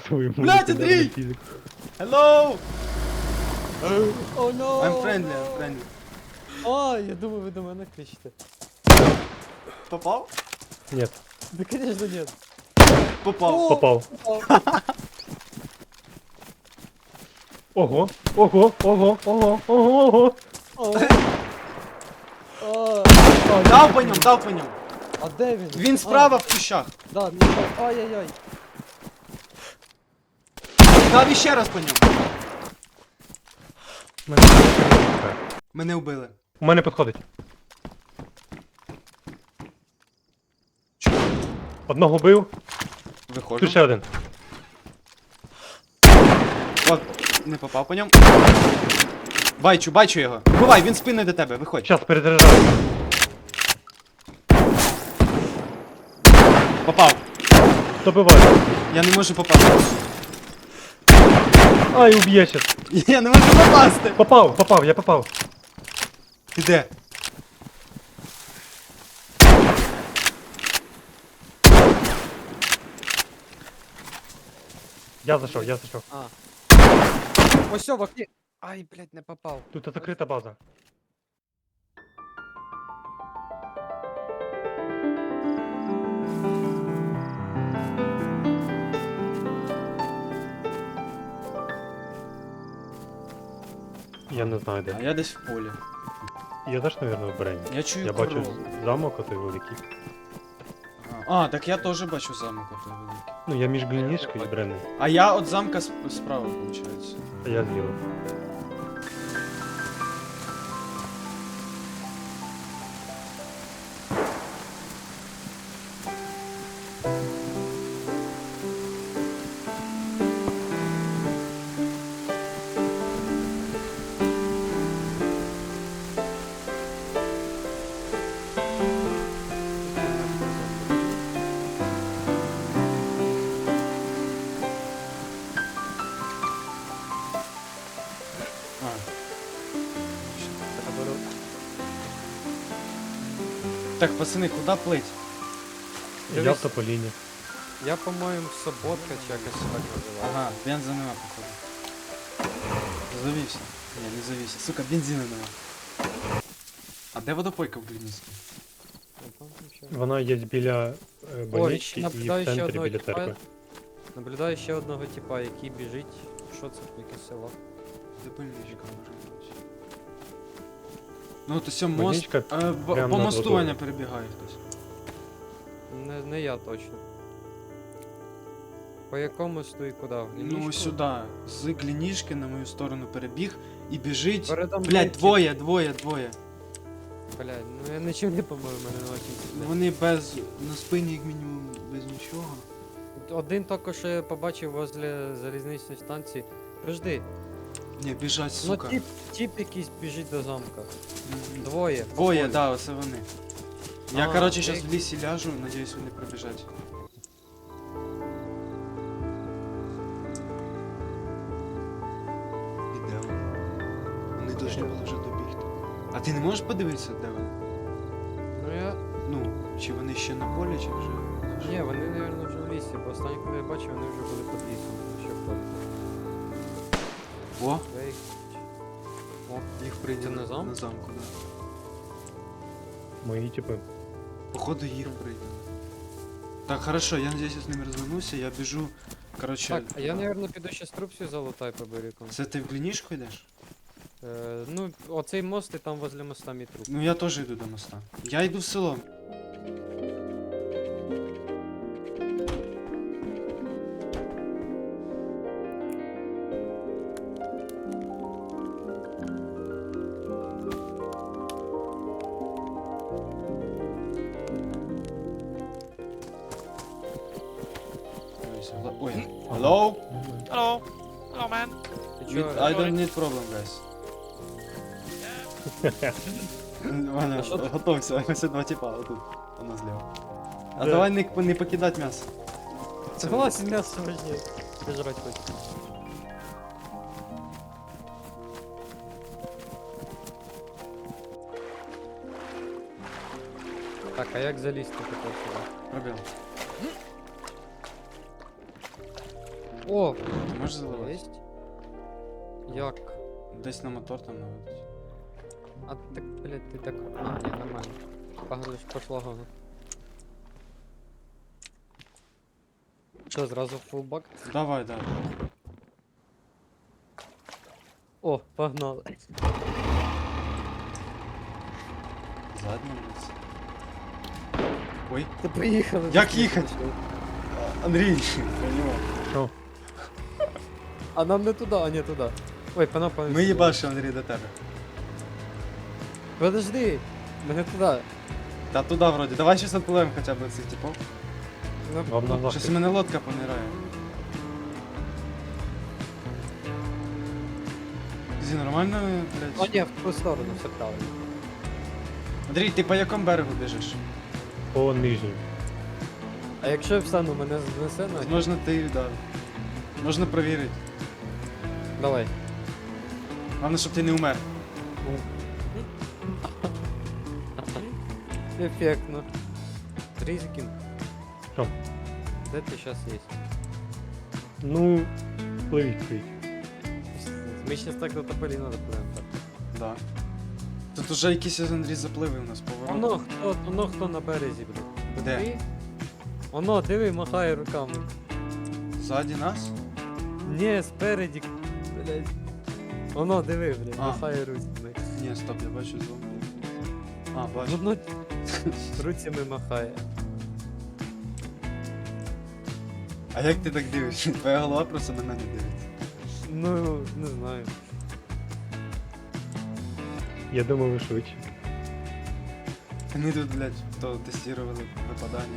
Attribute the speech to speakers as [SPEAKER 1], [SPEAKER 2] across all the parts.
[SPEAKER 1] Свою
[SPEAKER 2] Блядь, Андрій!
[SPEAKER 1] фізик.
[SPEAKER 2] Hello!
[SPEAKER 3] О, но!
[SPEAKER 2] I'm friendly, I'm friendly.
[SPEAKER 3] А, я думаю, ви до мене кричите.
[SPEAKER 2] Попав?
[SPEAKER 1] Ні,
[SPEAKER 3] Да, конечно, нет.
[SPEAKER 2] Попав.
[SPEAKER 3] О!
[SPEAKER 1] попав.
[SPEAKER 3] Попав.
[SPEAKER 1] Ого, ого, ого, ого, ого, ого.
[SPEAKER 3] О.
[SPEAKER 2] Дав по ньому, дав по ньому.
[SPEAKER 3] А де він?
[SPEAKER 2] Він справа в кущах.
[SPEAKER 3] Да, ай-яй-яй.
[SPEAKER 2] Дав іще раз по ньому. Мене вбили.
[SPEAKER 1] У мене підходить. Одного бив,
[SPEAKER 2] Виходжу.
[SPEAKER 1] тут ще один.
[SPEAKER 2] От, не попав по ньому. Бачу його. Бувай, він спиною до тебе, виходь.
[SPEAKER 1] Щас перезаряджаю.
[SPEAKER 2] Попав.
[SPEAKER 1] Добиваю.
[SPEAKER 2] Я не можу попасти.
[SPEAKER 1] Ай, уб'є щас.
[SPEAKER 2] Я не можу попасти.
[SPEAKER 1] Попав, я попав.
[SPEAKER 2] Ти де?
[SPEAKER 1] Я зайшов.
[SPEAKER 3] А. Ось все, в окні. Ай, блядь, не попав.
[SPEAKER 1] Тут закрита база. Я не знаю
[SPEAKER 2] А
[SPEAKER 1] де.
[SPEAKER 2] я десь в полі.
[SPEAKER 1] Я теж, мабуть, в Брені.
[SPEAKER 2] Я чую
[SPEAKER 1] Я бачу
[SPEAKER 2] корову.
[SPEAKER 1] замок отой великий.
[SPEAKER 2] А, так я теж бачу замок отой великий.
[SPEAKER 1] Ну, я між Глінішкою і Бренною.
[SPEAKER 2] А я от замка справа, виходить.
[SPEAKER 1] А я зліва.
[SPEAKER 2] А. Так, пацани, куди плить?
[SPEAKER 1] Я в
[SPEAKER 3] Дивись.
[SPEAKER 1] Тополіні.
[SPEAKER 3] Я, по-моєму, Соботка чи якось так називаю.
[SPEAKER 2] Ага, бенза нема, походу. Завівся. Ні, не завівся. Сука, бензина нема. А де водопойка в Глінівській?
[SPEAKER 1] Вона є біля больнички і в
[SPEAKER 3] наблюдаю ще
[SPEAKER 1] центрі
[SPEAKER 3] одного
[SPEAKER 1] біля
[SPEAKER 3] тіпа.
[SPEAKER 1] церкви.
[SPEAKER 3] Наблюдаю ще одного типа, який біжить. Що це? Яке село?
[SPEAKER 2] Де больничка може бути? Ну, то сьо мост.
[SPEAKER 1] Больничка
[SPEAKER 2] По
[SPEAKER 1] прямо над
[SPEAKER 2] мосту
[SPEAKER 1] водою.
[SPEAKER 2] Ваня перебігає хтось.
[SPEAKER 3] Не я точно. По якому мосту і куди? В
[SPEAKER 2] Ну,
[SPEAKER 3] Глінічку?
[SPEAKER 2] сюди. З Глінішки на мою сторону перебіг і біжить.
[SPEAKER 3] Передо мною
[SPEAKER 2] Блять,
[SPEAKER 3] тип.
[SPEAKER 2] двоє.
[SPEAKER 3] Блядь, ну я нічим не помив, мене не очень сильно.
[SPEAKER 2] Вони без. На спині, як мінімум, без нічого.
[SPEAKER 3] Один тільки що я побачив возле залізничної станції. Подожди,
[SPEAKER 2] Ні, біжать,
[SPEAKER 3] ну
[SPEAKER 2] сука.
[SPEAKER 3] тип якийсь біжить до замка.
[SPEAKER 2] Мгм.
[SPEAKER 3] Двоє.
[SPEAKER 2] Двоє, да, оце вони. Я,
[SPEAKER 3] А,
[SPEAKER 2] короче,
[SPEAKER 3] ти-
[SPEAKER 2] зараз в лісі ляжу, надіюсь, вони пробіжать. І де вони? Вони повинні були вже добігти. А ти не можеш подивитися, де вони?
[SPEAKER 3] Ну я.
[SPEAKER 2] Ну, чи вони ще на полі, чи вже.
[SPEAKER 3] Ні, вони, мабуть, вже в лісі, бо останнє, коли я бачив, вони вже були під лісом. Ще в полі.
[SPEAKER 2] О,
[SPEAKER 3] Ей,
[SPEAKER 2] їх прийняли
[SPEAKER 3] на замок?
[SPEAKER 2] На замку, да.
[SPEAKER 1] Мої типи.
[SPEAKER 2] Походу їх прийняли. Так, хорошо, я надіюсь, я з ними розвернуся, я біжу. Короче,
[SPEAKER 3] Так, а я, мабуть, піду ще струбцю залутай по берегу.
[SPEAKER 2] це ти в Глінішку йдеш?
[SPEAKER 3] Ну, оцей мост і там возле моста мій труп.
[SPEAKER 2] Ну я теж йду до моста. Я йду в село. Ой, hello?
[SPEAKER 4] Hello. Hello, man.
[SPEAKER 3] Ти
[SPEAKER 2] I
[SPEAKER 3] чого?
[SPEAKER 2] don't need problem, guys. Ваня,
[SPEAKER 3] А що ти?
[SPEAKER 2] готовся, ось два типа, отут, воно зліва. А
[SPEAKER 1] Де?
[SPEAKER 2] давай не покидать м'ясо.
[SPEAKER 3] Согласен, м'ясо важнее. Пожрать хоть. Так, а як залізти тепер сюди?
[SPEAKER 2] Пробіл.
[SPEAKER 3] О,
[SPEAKER 2] Ти можеш заливати?
[SPEAKER 3] єсть. Як?
[SPEAKER 2] Десь на мотор там наводить.
[SPEAKER 3] А так, блядь, ти так. А, ні, нормально. Погано, пошла гона. Що, зразу фулбак?
[SPEAKER 2] Давай, давай.
[SPEAKER 3] О, погнали.
[SPEAKER 2] Заднім лиці. Ой.
[SPEAKER 3] Ти приїхали.
[SPEAKER 2] Як їхати? Андрій, понимаю.
[SPEAKER 1] Що?
[SPEAKER 3] А нам не туди, а не туди. Ой, пана.
[SPEAKER 2] Ми їбашимо, Андрій, до тебе.
[SPEAKER 3] Подожди, мене туди.
[SPEAKER 2] Та туди вроді. Давай щось відпливемо хоча б цих типов.
[SPEAKER 3] Ну,
[SPEAKER 1] Вам на
[SPEAKER 2] Щось
[SPEAKER 1] лапки.
[SPEAKER 2] у мене лодка понирає. Зі нормально,
[SPEAKER 3] О,
[SPEAKER 2] блядь?
[SPEAKER 3] ні, в ту сторону, все правильно.
[SPEAKER 2] Андрій, ти по якому берегу біжиш?
[SPEAKER 1] По нижній.
[SPEAKER 3] А якщо я встану, мене знесе на.
[SPEAKER 2] Можна ти, да. Можна провірити.
[SPEAKER 3] Давай.
[SPEAKER 2] Головне, щоб ти не умер.
[SPEAKER 3] Ефектно. Ризикин.
[SPEAKER 1] Що?
[SPEAKER 3] Де ти зараз є?
[SPEAKER 1] Ну, пливіть.
[SPEAKER 3] Ми щас так до Тополіна допливемо.
[SPEAKER 2] Да. Тут уже якісь Андрій запливи у нас поворот.
[SPEAKER 3] Воно хто на березі, блядь.
[SPEAKER 2] Де?
[SPEAKER 3] Ти? Воно, диви, махає руками.
[SPEAKER 2] Ззаді нас?
[SPEAKER 3] Ні, спереді, блядь. Воно, диви, блядь,
[SPEAKER 2] А.
[SPEAKER 3] махає руцями.
[SPEAKER 2] Ні, стоп, я бачу зомбі. А, бачу.
[SPEAKER 3] Воно руцями махає.
[SPEAKER 2] А як ти так дивишся? Твоя голова просто на мене дивиться.
[SPEAKER 3] Ну, не знаю.
[SPEAKER 1] Я думав, ви швидше.
[SPEAKER 2] Ми тут, блядь, то тестували випадання.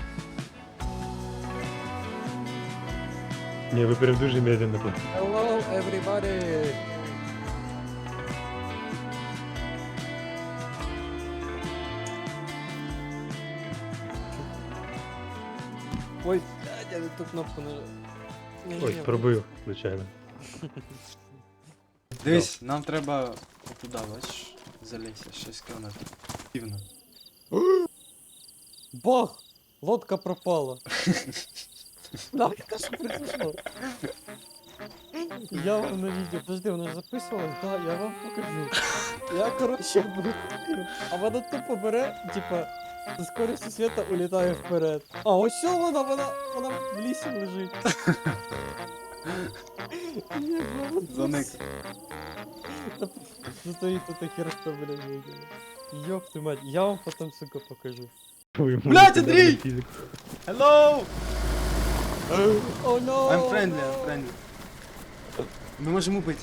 [SPEAKER 1] Ні, ви прям дуже медленно пливете.
[SPEAKER 3] Hello, everybody! Ой, блядь, я не ту кнопку нажав.
[SPEAKER 1] Ой, пробив, звичайно.
[SPEAKER 2] Дивись, нам треба отуда, бачиш, залізти, 6 кілометрів. Півно.
[SPEAKER 3] Бах! Лодка пропала. Да, это что произошло? Я вам на видео, подожди, вона ж записувалась? Да, я вам покажу. Я, короче, буду. А вона тупо бере, типа, со скоростью света улітає вперед. А ось що вона в лісі лежить. Ні, вона
[SPEAKER 2] Заник.
[SPEAKER 3] Стоїть тут херство, блядь, видела. Ёб ты мать, я вам потом, сука, покажу.
[SPEAKER 1] Ви
[SPEAKER 2] Блядь,
[SPEAKER 1] можете
[SPEAKER 2] Андрій!
[SPEAKER 1] навіть фізику.
[SPEAKER 2] Hello!
[SPEAKER 3] О, no!
[SPEAKER 2] I'm friendly. Ми можемо бити.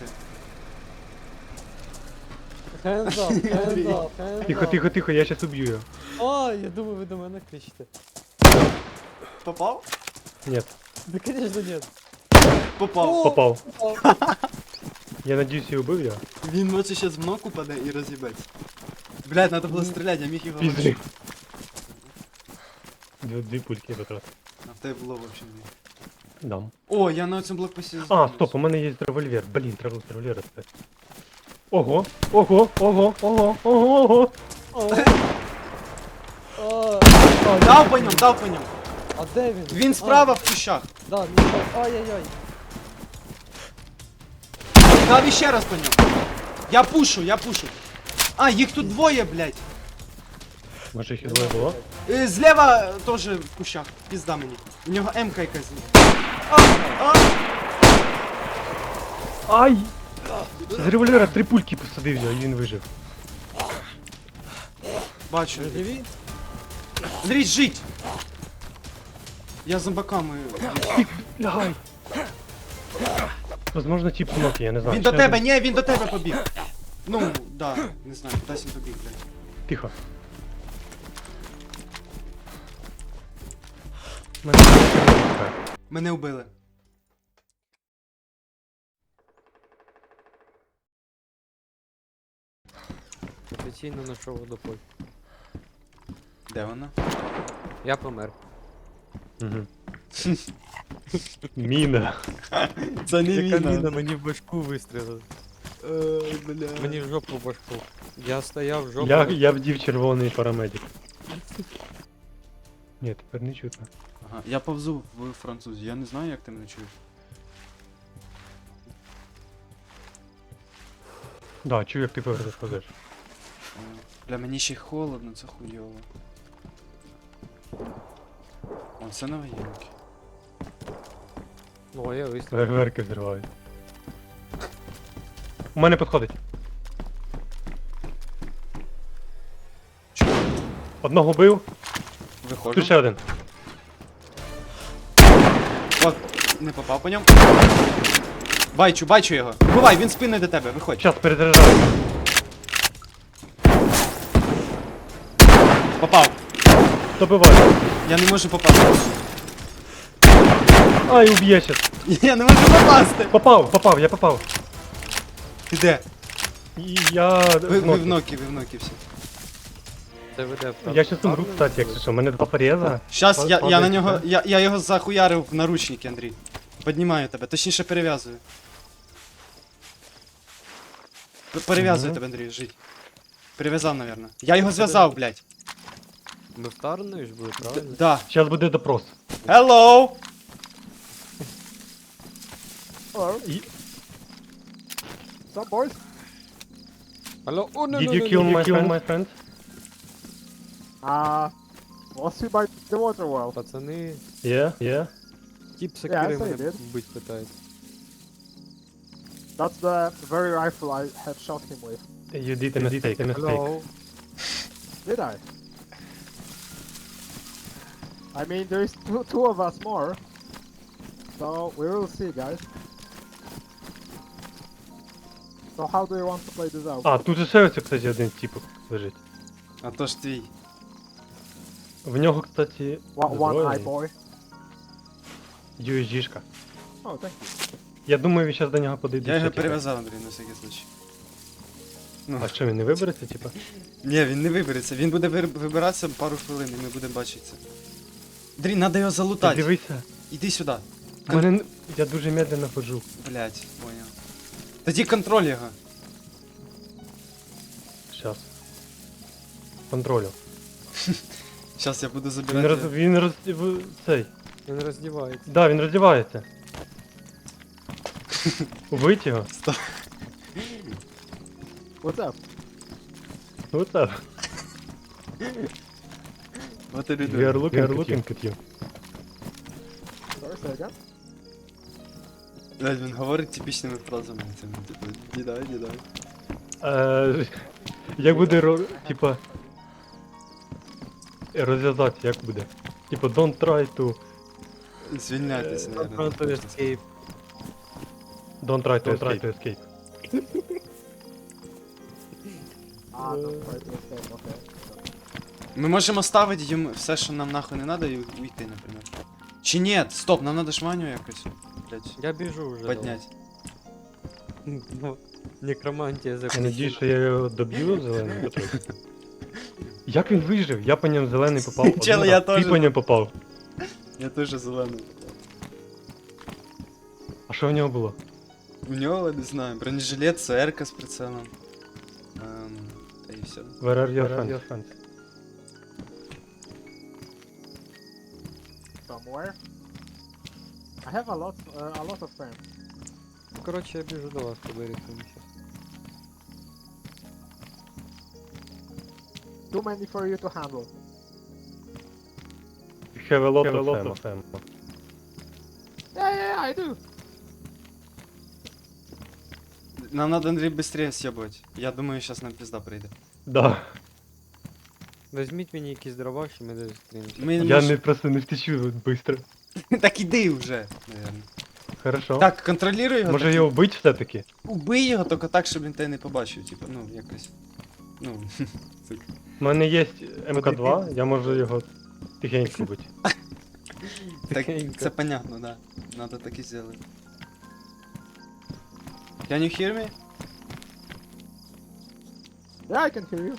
[SPEAKER 3] Hands up, hands up, hands
[SPEAKER 1] Тихо,
[SPEAKER 3] up.
[SPEAKER 1] тихо, тихо, я щас уб'ю його.
[SPEAKER 3] А, я думаю, ви до мене кричите.
[SPEAKER 2] Попав?
[SPEAKER 1] Ні,
[SPEAKER 3] Да, конечно, нет.
[SPEAKER 2] Попав.
[SPEAKER 3] О!
[SPEAKER 1] попав.
[SPEAKER 3] Попав.
[SPEAKER 1] Я надіюсь, я убив його.
[SPEAKER 2] Він ночі зараз в ногу паде і роз'їбеться. Блядь, надо було стріляти, я міг його
[SPEAKER 1] Пізди.
[SPEAKER 2] лишити.
[SPEAKER 1] Дві пульки я потратив.
[SPEAKER 2] А в тебе було, в общем, дві.
[SPEAKER 1] Дам.
[SPEAKER 2] О, я на цьому блокпості.
[SPEAKER 1] А, стоп, у мене є револьвер. Блін, треба револьвер достати. Ого, ого, ого, ого, ого, ого.
[SPEAKER 3] А,
[SPEAKER 2] Дав по ньому.
[SPEAKER 3] а де він?
[SPEAKER 2] Він справа в кущах.
[SPEAKER 3] Да, ну так. Ай-яй-яй.
[SPEAKER 2] Дав іще раз по ньому. Я пушу. А, їх тут двоє, блядь.
[SPEAKER 1] Може їх і двоє було?
[SPEAKER 2] Зліва теж в кущах. Пізда мені. У нього М-ка якась.
[SPEAKER 1] Ай! З револьвера 3 пульки посадив його, і він вижив.
[SPEAKER 2] Бачу.
[SPEAKER 3] Ви живі?
[SPEAKER 2] Андрій, жить! Я зомбаками.
[SPEAKER 1] Лягай! Возможно, тип кнопки, я не знаю.
[SPEAKER 2] Він до
[SPEAKER 1] Ще
[SPEAKER 2] тебе,
[SPEAKER 1] один.
[SPEAKER 2] ні, він до тебе побіг. Ну, да, не знаю, кудись він побіг, блядь.
[SPEAKER 1] Тихо.
[SPEAKER 2] Мене вбили.
[SPEAKER 3] Офіційно знайшов водопой.
[SPEAKER 2] Де вона?
[SPEAKER 3] Я помер.
[SPEAKER 1] Угу. Міна.
[SPEAKER 2] Це
[SPEAKER 3] Яка міна мені в башку вистрілила.
[SPEAKER 2] Бля.
[SPEAKER 3] Мені в жопу в башку. Я стояв в жопу.
[SPEAKER 1] Я вдів червоний парамедик. Ні, тепер не чутно.
[SPEAKER 2] Ага, я повзу в французі, я не знаю, як ти мене чуєш.
[SPEAKER 1] Да, чую, як ти ходиш.
[SPEAKER 2] Бля, мені ще й холодно, це хуйово. О, це новоєнки.
[SPEAKER 3] Ну, а я вистрілив.
[SPEAKER 1] Фейерверки взривають. У мене підходить. Одного бив,
[SPEAKER 2] Виходжу.
[SPEAKER 1] тут ще один.
[SPEAKER 2] От, не попав по ньому. Бачу його. Бувай, він спиною до тебе, виходь.
[SPEAKER 1] Щас перезаряджаю.
[SPEAKER 2] Попав.
[SPEAKER 1] Добиваю.
[SPEAKER 2] Я не можу попасти.
[SPEAKER 1] Ай, уб'є щас.
[SPEAKER 2] Я не можу попасти.
[SPEAKER 1] Попав, я попав.
[SPEAKER 2] Ти де?
[SPEAKER 1] І я...
[SPEAKER 2] Ви
[SPEAKER 1] ноги.
[SPEAKER 2] в ноки всі.
[SPEAKER 3] Це веде в
[SPEAKER 1] Я щас умру, кстати, якщо що. У мене два пореза.
[SPEAKER 2] Щас я на
[SPEAKER 1] Падає,
[SPEAKER 2] нього.
[SPEAKER 1] да?
[SPEAKER 2] Я його захуярив в наручники, Андрій. Піднімаю тебе, точніше перев'язую. Перев'язую
[SPEAKER 1] Мгм.
[SPEAKER 2] тебе, Андрій, жить. Перев'язав, напевно. Я його зв'язав, блядь.
[SPEAKER 3] Ми вторгнуєш буде, правильно?
[SPEAKER 2] Да.
[SPEAKER 1] Щас буде допрос.
[SPEAKER 2] Hello!
[SPEAKER 1] І-
[SPEAKER 3] Some boys. Алло, о,
[SPEAKER 1] Did you kill my friend?
[SPEAKER 5] Was he by the water well?
[SPEAKER 3] Пацани,
[SPEAKER 1] Yeah.
[SPEAKER 3] тип
[SPEAKER 5] I
[SPEAKER 3] сокири
[SPEAKER 5] say
[SPEAKER 3] мене
[SPEAKER 5] did.
[SPEAKER 3] бить питається.
[SPEAKER 5] That's the very rifle I had shot him with.
[SPEAKER 1] You did a mistake.
[SPEAKER 3] Алло.
[SPEAKER 5] Did I? I mean, there is two of us more. So we will see, guys. So how do you want to play this out?
[SPEAKER 1] А, тут же ще ось, кстати, один типок лежить.
[SPEAKER 2] А то ж твій.
[SPEAKER 1] В нього, кстати,
[SPEAKER 5] One eye
[SPEAKER 1] зброя
[SPEAKER 5] boy.
[SPEAKER 1] USG-шка.
[SPEAKER 5] Oh, thank you.
[SPEAKER 1] Я думаю, він зараз до нього подійде.
[SPEAKER 2] Я його
[SPEAKER 1] ще, типа.
[SPEAKER 2] перев'язав, Андрій, на всякий случай. Ну,
[SPEAKER 1] А що, він не вибереться, типа?
[SPEAKER 2] ні, він не вибереться. Він буде вибиратися пару хвилин, і ми будемо бачитися. Андрій, треба його
[SPEAKER 1] Ти
[SPEAKER 2] залутати.
[SPEAKER 1] дивися.
[SPEAKER 2] Іди сюди.
[SPEAKER 1] Я дуже медленно ходжу.
[SPEAKER 2] Блять, понял. Тоді контроль його.
[SPEAKER 1] Щас. Контролю.
[SPEAKER 2] Зараз я буду
[SPEAKER 1] Він
[SPEAKER 2] забирати.
[SPEAKER 1] цей.
[SPEAKER 3] Він роздівається.
[SPEAKER 1] Да, він роздівається. Убить його?
[SPEAKER 5] What's up?
[SPEAKER 1] Ну це.
[SPEAKER 2] Вот і
[SPEAKER 1] We
[SPEAKER 2] люди.
[SPEAKER 1] are looking at you.
[SPEAKER 5] Sorry, say again?
[SPEAKER 2] Блять, він говорить типічними фразами. Цими, типу, дідай.
[SPEAKER 1] Як буде, типа... Розв'язати, як буде? Типа, don't try to...
[SPEAKER 2] Звільняйтеся, наверное.
[SPEAKER 3] Front of escape.
[SPEAKER 1] Don't try to escape.
[SPEAKER 5] Don't try to escape, okay.
[SPEAKER 2] Ми можемо ставити йому все, що нам нахуй не треба, і уйти, наприклад. Чи ні? Стоп, нам треба жманю якось. Блять,
[SPEAKER 3] Я біжу вже.
[SPEAKER 2] піднять.
[SPEAKER 3] Ну, некромантія
[SPEAKER 1] Я
[SPEAKER 3] закінчила.
[SPEAKER 1] надіюсь, що я його доб'ю зелений патруль. Як він вижив? Я по ньому зелений попав. один
[SPEAKER 2] Чел,
[SPEAKER 1] раз,
[SPEAKER 2] я
[SPEAKER 1] Ти
[SPEAKER 2] теж.
[SPEAKER 1] по ньому попав.
[SPEAKER 2] Я теж зелений.
[SPEAKER 1] А що в нього було?
[SPEAKER 2] У нього, не знаю, бронежилет, ЦР з прицелом. Та і все.
[SPEAKER 1] Where are your friends?
[SPEAKER 5] Somewhere. I have a lot of friends.
[SPEAKER 3] Коротше, я біжу до вас, поберігтимо щас.
[SPEAKER 5] Too many for you to handle.
[SPEAKER 1] You have a lot of them.
[SPEAKER 5] Yeah, I do.
[SPEAKER 2] Нам надо, Андрій, быстрее съебывать. Я думаю, сейчас нам пизда прийде.
[SPEAKER 1] Да.
[SPEAKER 3] Візьміть мені якісь дрова, що ми десь зустрінемося.
[SPEAKER 2] Ми
[SPEAKER 1] Я не просто не втечу быстро.
[SPEAKER 2] Так іди вже, наверное.
[SPEAKER 1] Хорошо.
[SPEAKER 2] Так, контролюй його.
[SPEAKER 1] Може
[SPEAKER 2] так,
[SPEAKER 1] його вбити все-таки?
[SPEAKER 2] Убий його, тільки так, щоб він тебе не побачив, типу, ну, якось. Ну,
[SPEAKER 1] У мене є МК2, я можу його тихенько вбити.
[SPEAKER 2] так,
[SPEAKER 3] Тихенько.
[SPEAKER 2] це понятно, да. Надо так і зробити. Can you hear me?
[SPEAKER 5] Yeah, I can hear you.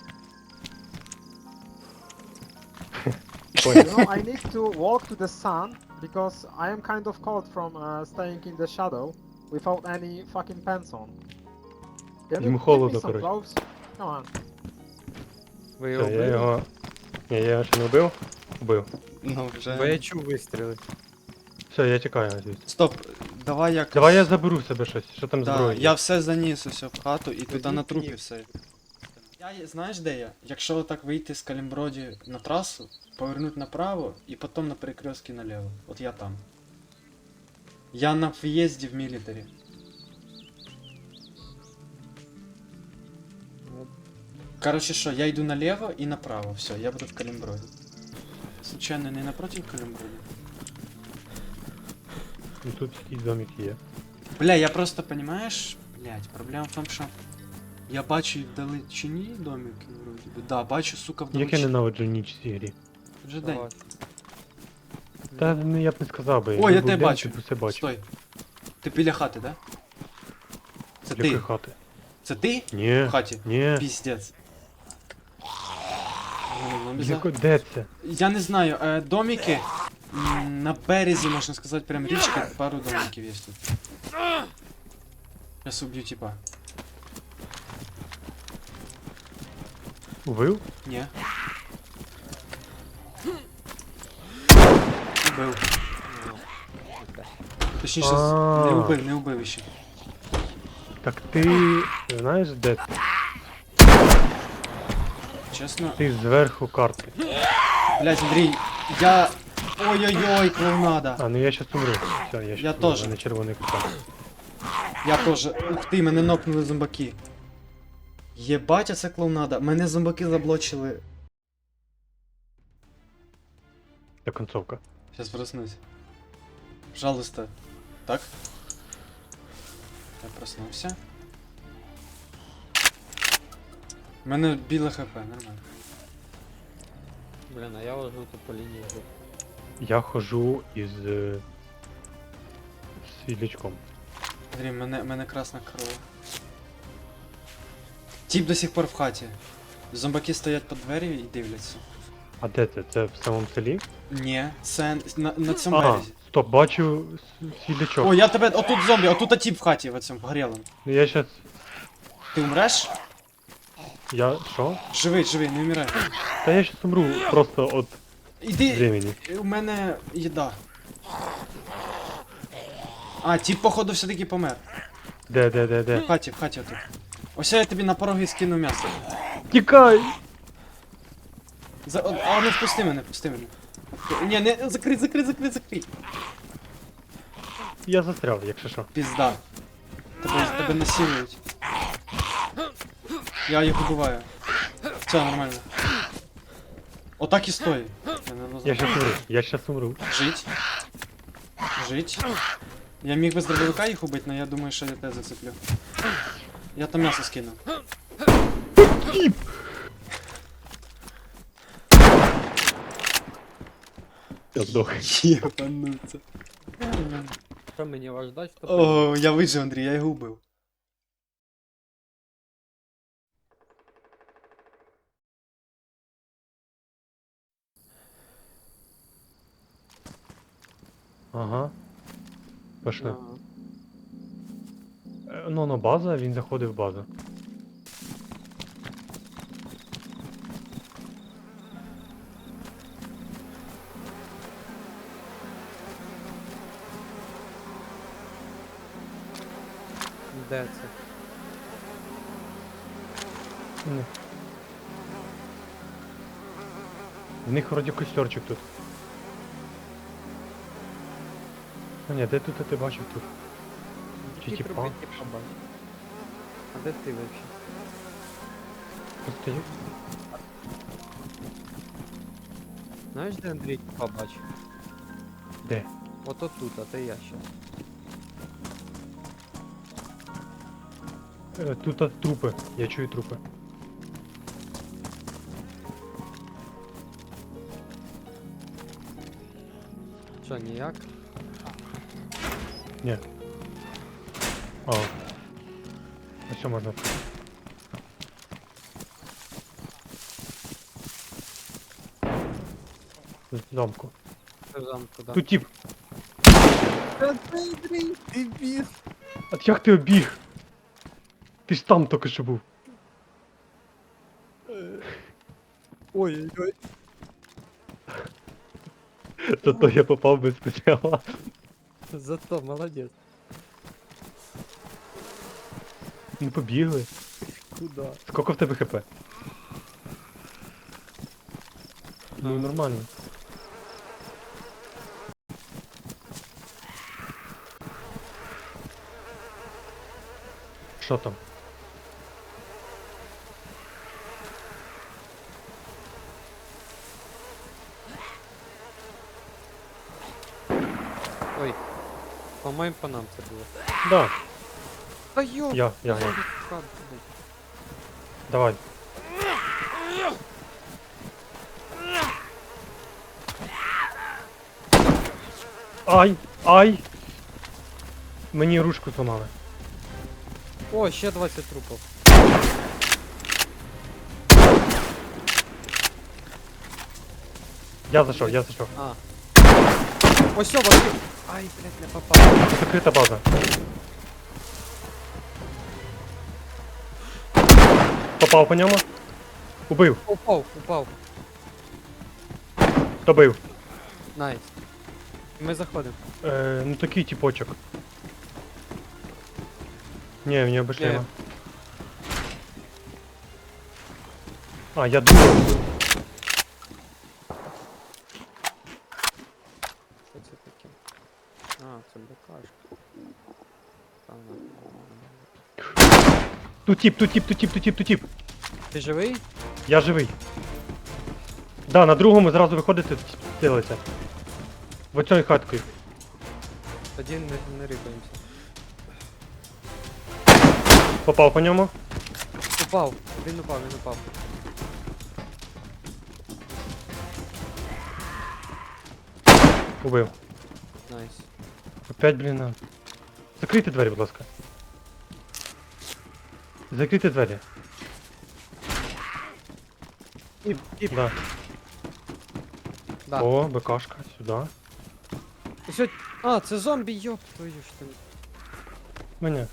[SPEAKER 1] Понял.
[SPEAKER 5] You know, I need to walk to the sun because I am kind of cold from staying in the shadow without any fucking pants on. Can
[SPEAKER 1] Йому
[SPEAKER 5] you give
[SPEAKER 1] холодно,
[SPEAKER 5] me some
[SPEAKER 1] коротше.
[SPEAKER 5] clothes? Come on.
[SPEAKER 3] Ви його
[SPEAKER 1] Все, я
[SPEAKER 3] вбили?
[SPEAKER 1] його... Ні, я його ще не вбив. Вбив.
[SPEAKER 2] Ну,
[SPEAKER 3] Бо я
[SPEAKER 2] вже.
[SPEAKER 3] чув вистріли.
[SPEAKER 1] Все, я чекаю, надіюсь.
[SPEAKER 2] Стоп, давай якось...
[SPEAKER 1] Давай я заберу себе щось, що там
[SPEAKER 2] Да,
[SPEAKER 1] зброя.
[SPEAKER 2] я все заніс усе в хату і туди
[SPEAKER 1] Тоді
[SPEAKER 2] на трупі
[SPEAKER 1] ні.
[SPEAKER 2] все. Знаєш де я? Якщо так вийти з Калімброді на трасу, повернути направо і потім на перекрестки наліво. От я там. Я на в'їзді в мілітарі. Короче, що, я йду наліво і направо, все, я буду в Калімброді. Случайно не напротив Калімброді?
[SPEAKER 1] Ну, тут якийсь домик є.
[SPEAKER 2] Бля, я просто, понимаешь, блядь, проблема в тому, що я бачу і в далечині домики, вроді би. Да, бачу, сука, в
[SPEAKER 1] Як я
[SPEAKER 2] далечині.
[SPEAKER 1] ненавиджу ніч в цій грі.
[SPEAKER 2] Вже день.
[SPEAKER 3] Давай.
[SPEAKER 1] Та ну, я б не сказав би.
[SPEAKER 2] О,
[SPEAKER 1] якби
[SPEAKER 2] я
[SPEAKER 1] був
[SPEAKER 2] тебе
[SPEAKER 1] день,
[SPEAKER 2] бачу.
[SPEAKER 1] ти б все бачив.
[SPEAKER 2] Стой. Ти біля хати, да? Це
[SPEAKER 1] Якої
[SPEAKER 2] ти?
[SPEAKER 1] хати?
[SPEAKER 2] Це ти?
[SPEAKER 1] Ні.
[SPEAKER 2] В хаті?
[SPEAKER 1] Ні.
[SPEAKER 2] Піздець.
[SPEAKER 1] Де це?
[SPEAKER 2] Я не знаю, домики на березі, можна сказати, прям річки, пару домиків є тут. Сейчас уб'ю типа.
[SPEAKER 1] Убив?
[SPEAKER 2] Ні. Убив. Точніше, не убив ще.
[SPEAKER 1] Так ти знаєш де ти?
[SPEAKER 2] Чесно.
[SPEAKER 1] Ти зверху карти.
[SPEAKER 2] Блять, Андрій, я... Ой-ой-ой, клоунада.
[SPEAKER 1] А, ну я щас умру. Все, я щас
[SPEAKER 2] Я
[SPEAKER 1] умру,
[SPEAKER 2] теж.
[SPEAKER 1] в мене червоний кутак.
[SPEAKER 2] Я теж. Ух ти, мене нокнули зомбаки. Єбать, а це клоунада. Мене зомбаки заблочили.
[SPEAKER 1] Це концовка.
[SPEAKER 2] Сейчас проснусь. Пожалуйста. Так? Я проснувся. У мене біле хп, нормально.
[SPEAKER 3] Блін, а я ложу тут по лінії.
[SPEAKER 1] Я хожу із світлячком.
[SPEAKER 2] Андрій, мене красна кров. Тіп до сих пор в хаті. Зомбаки стоять по двері і дивляться.
[SPEAKER 1] А де це? Це в самому селі?
[SPEAKER 2] Ні, це на цьому
[SPEAKER 1] Ага,
[SPEAKER 2] березі.
[SPEAKER 1] стоп, бачу світлячок.
[SPEAKER 2] О, я тебе. Отут зомбі, отут тіп в хаті в цьому горілому.
[SPEAKER 1] Ну я щас...
[SPEAKER 2] Ти умреш?
[SPEAKER 1] Я... Що?
[SPEAKER 2] Живий, живий, не вмирай.
[SPEAKER 1] Та я щас умру просто от
[SPEAKER 2] Іди.
[SPEAKER 1] времени.
[SPEAKER 2] У мене їда. А, тіп, походу, все-таки помер.
[SPEAKER 1] Де?
[SPEAKER 2] В хаті отут. Ось я тобі на пороги скину м'ясо.
[SPEAKER 1] Тікай!
[SPEAKER 2] А ну впусти мене. Ні, не, закрий.
[SPEAKER 1] Я застряв, якщо що.
[SPEAKER 2] Пізда. Тебе насилують. Я їх убиваю. Все, нормально. Отак і стой.
[SPEAKER 1] Я щас умру.
[SPEAKER 2] Жить. Я міг би з дробовика їх убити, але я думаю, що я тебе зацеплю. Я там м'ясо скину.
[SPEAKER 1] Я здох.
[SPEAKER 2] Єбануться.
[SPEAKER 3] Що мені вас ждать, то
[SPEAKER 2] О, я вижив, Андрій, я його убив.
[SPEAKER 1] Ага. Пошли.
[SPEAKER 3] Ага.
[SPEAKER 1] Ну, база, він заходив в базу.
[SPEAKER 3] Де це?
[SPEAKER 1] Ні. В них вроді костерчик тут. А ні, де тут ти бачив тут? Чи
[SPEAKER 3] Які
[SPEAKER 1] типа?
[SPEAKER 3] трубки типа бачиш? А де ти вообще?
[SPEAKER 1] Просто є-
[SPEAKER 3] Знаєш, де Андрій типа бачив?
[SPEAKER 1] Де?
[SPEAKER 3] Ото тут, а це я щас.
[SPEAKER 1] Тут трупи. Я чую трупи.
[SPEAKER 3] Що, ніяк?
[SPEAKER 1] Ні. А. А що можна? В замку.
[SPEAKER 3] Це в замку, да.
[SPEAKER 1] Тут тип.
[SPEAKER 3] Та це Андрій, ти біс.
[SPEAKER 1] А як ти обіг? Ти ж там тільки що був.
[SPEAKER 3] Ой-ой-ой.
[SPEAKER 1] Зато я попав без спеціала.
[SPEAKER 3] Зато молодець.
[SPEAKER 1] Ну побігли.
[SPEAKER 3] Куда?
[SPEAKER 1] Скільки в тебе хп? Ну нормально. Що там?
[SPEAKER 3] Ой. По-моєму, по нам це було.
[SPEAKER 1] Да,
[SPEAKER 3] Та йо!
[SPEAKER 1] я. Давай. Ай! Ай! Мені ручку зламали.
[SPEAKER 3] О, ще 20 трупів.
[SPEAKER 1] Я зайшов, я зайшов.
[SPEAKER 3] А. Ось все, бачу. Ай, блядь, не попав.
[SPEAKER 1] Закрита база. Попав по ньому. Убив.
[SPEAKER 3] Упав.
[SPEAKER 1] Добив.
[SPEAKER 3] Найс. Ми заходимо.
[SPEAKER 1] Ну такий типочок. Не, меня обошли.
[SPEAKER 3] Не.
[SPEAKER 1] его. А, я думаю.
[SPEAKER 3] Що це таке? А, це БКшка. Та на.
[SPEAKER 1] Тут тип.
[SPEAKER 3] Ти живий?
[SPEAKER 1] Я живий. Да, на другому зразу виходити, цілиться. В оцій хаткою.
[SPEAKER 3] Тоді не рипаємося.
[SPEAKER 1] Попав по ньому.
[SPEAKER 3] Упав. Він упав.
[SPEAKER 1] Убив.
[SPEAKER 3] Найс.
[SPEAKER 1] Опять, блін, на. Закрийте двері, будь ласка. Закрийте двері.
[SPEAKER 3] Тіп.
[SPEAKER 1] Да.
[SPEAKER 3] Да.
[SPEAKER 1] О, БКшка, сюди.
[SPEAKER 3] Ось, а, це зомбі, йоп твою ж ти.
[SPEAKER 1] Мене.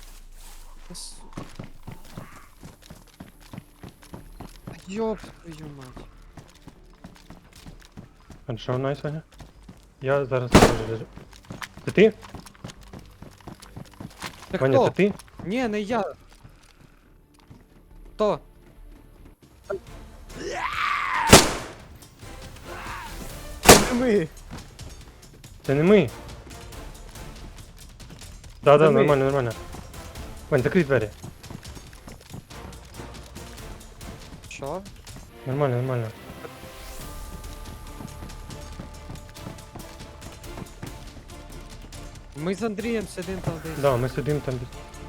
[SPEAKER 3] Йоп твою мать.
[SPEAKER 1] Хорошо, найс, Ваня. Я зараз теж лежу. Це ти?
[SPEAKER 3] Та
[SPEAKER 1] Ваня,
[SPEAKER 3] хто?
[SPEAKER 1] це ти?
[SPEAKER 3] Ні, не я. Хто? Це ми.
[SPEAKER 1] Це не ми. Да,
[SPEAKER 3] Це ми.
[SPEAKER 1] нормально. Вань, закрий двері.
[SPEAKER 3] Що?
[SPEAKER 1] Нормально.
[SPEAKER 3] Ми з Андрієм сидимо там десь.
[SPEAKER 1] Да, ми сидимо там.